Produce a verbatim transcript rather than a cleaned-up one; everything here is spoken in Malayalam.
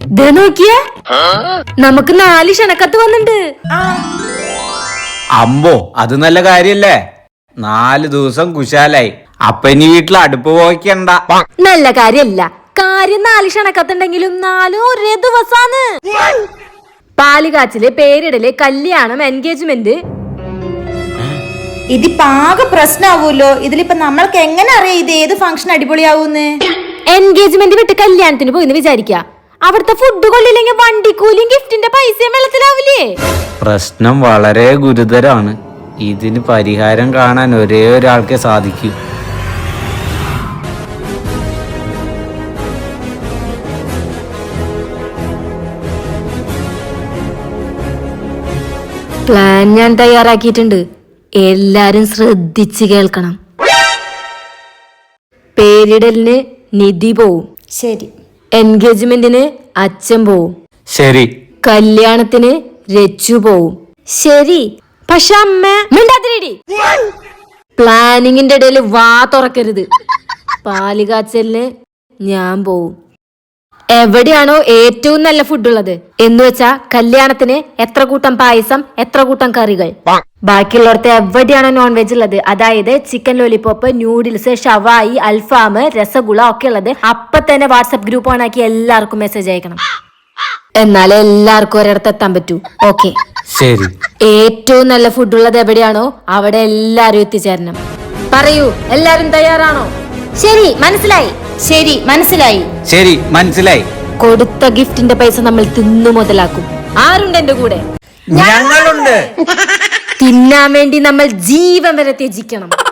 ദേ നോക്കിയേ, നമുക്ക് നാല് ക്ഷണക്കത്ത് വന്നിട്ടുണ്ട്. അമ്പോ, അത് നല്ല കാര്യല്ലേ. നാല് ദിവസം കുശാലായി. അപ്പൊ ഇനി വീട്ടിൽ അടുപ്പ് പോയിക്കണ്ട. നല്ല കാര്യല്ല. കാര്യം നാല് ക്ഷണക്കത്തുണ്ടെങ്കിലും നാലും ഒരേ ദിവസാണ്. പാലുകാച്ചില്, പേരിടല്, കല്യാണം, എൻഗേജ്മെന്റ്. ഇതിപ്പോ ആകെ പ്രശ്നാവൂല്ലോ. ഇതിലിപ്പോ നമ്മൾക്ക് എങ്ങനെ അറിയാം ഇത് ഏത് ഫംഗ്ഷൻ അടിപൊളിയാവൂന്ന്? എൻഗേജ്മെന്റ് വിട്ട് കല്യാണത്തിന് പോയിന്ന് വിചാരിക്ക, അവിടുത്തെ ഫുഡ് കൊള്ളില്ലെങ്കിൽ വണ്ടിക്കൂലിയും ഗിഫ്റ്റിന്റെ പൈസയും വെള്ളത്തിലാവില്ലേ? പ്രശ്നം വളരെ ഗുരുതരാണ്. ഇതിന് പരിഹാരം കാണാൻ ഒരേ ഒരാൾക്കേ സാധിക്കൂ. പ്ലാൻ ഞാൻ തയ്യാറാക്കിയിട്ടുണ്ട്. എല്ലാരും ശ്രദ്ധിച്ച് കേൾക്കണം. പേരിടലിന് നിധി പോവും. ശരി. എൻഗേജ്മെന്റിന് അച്ഛൻ പോവും. ശരി. കല്യാണത്തിന് രച്ചു പോവും. ശരി. പക്ഷെ അമ്മ മിണ്ടാതിരിടി. പ്ലാനിങ്ങിന്റെ ഇടയിൽ വാ തുറക്കരുത്. പാലുകാച്ചലിന് ഞാൻ പോവും. എവിടെയാണോ ഏറ്റവും നല്ല ഫുഡ് ഉള്ളത് എന്ന് വെച്ചാ കല്യാണത്തിന് എത്ര കൂട്ടം പായസം, എത്ര കൂട്ടം കറികൾ. ബാക്കിയുള്ളവർക്ക് എവിടെയാണോ നോൺ വെജ് ഉള്ളത്, അതായത് ചിക്കൻ ലോലിപോപ്പ്, ന്യൂഡിൽസ്, ഷവായി, അൽഫാം, രസഗുള ഒക്കെ ഉള്ളത് അപ്പൊ തന്നെ വാട്സ്ആപ്പ് ഗ്രൂപ്പ് ഓൺ ആക്കി എല്ലാവർക്കും മെസ്സേജ് അയക്കണം. എന്നാലേ എല്ലാവർക്കും ഒരിടത്ത് എത്താൻ പറ്റൂ. ഓക്കെ? ശരി. ഏറ്റവും നല്ല ഫുഡ് ഉള്ളത് എവിടെയാണോ അവിടെ എല്ലാരും എത്തിച്ചേരണം. പറയൂ, എല്ലാരും തയ്യാറാണോ? ശരി, മനസ്സിലായി. ശരി, മനസ്സിലായി. ശരി, മനസ്സിലായി. കൊടുത്ത ഗിഫ്റ്റിന്റെ പൈസ നമ്മൾ തിന്നു മുതലാക്കും. ആരുണ്ട് എന്റെ കൂടെ? ഞങ്ങളുണ്ട്. തിന്നാൻ വേണ്ടി നമ്മൾ ജീവൻ വരെ ത്യജിക്കണം.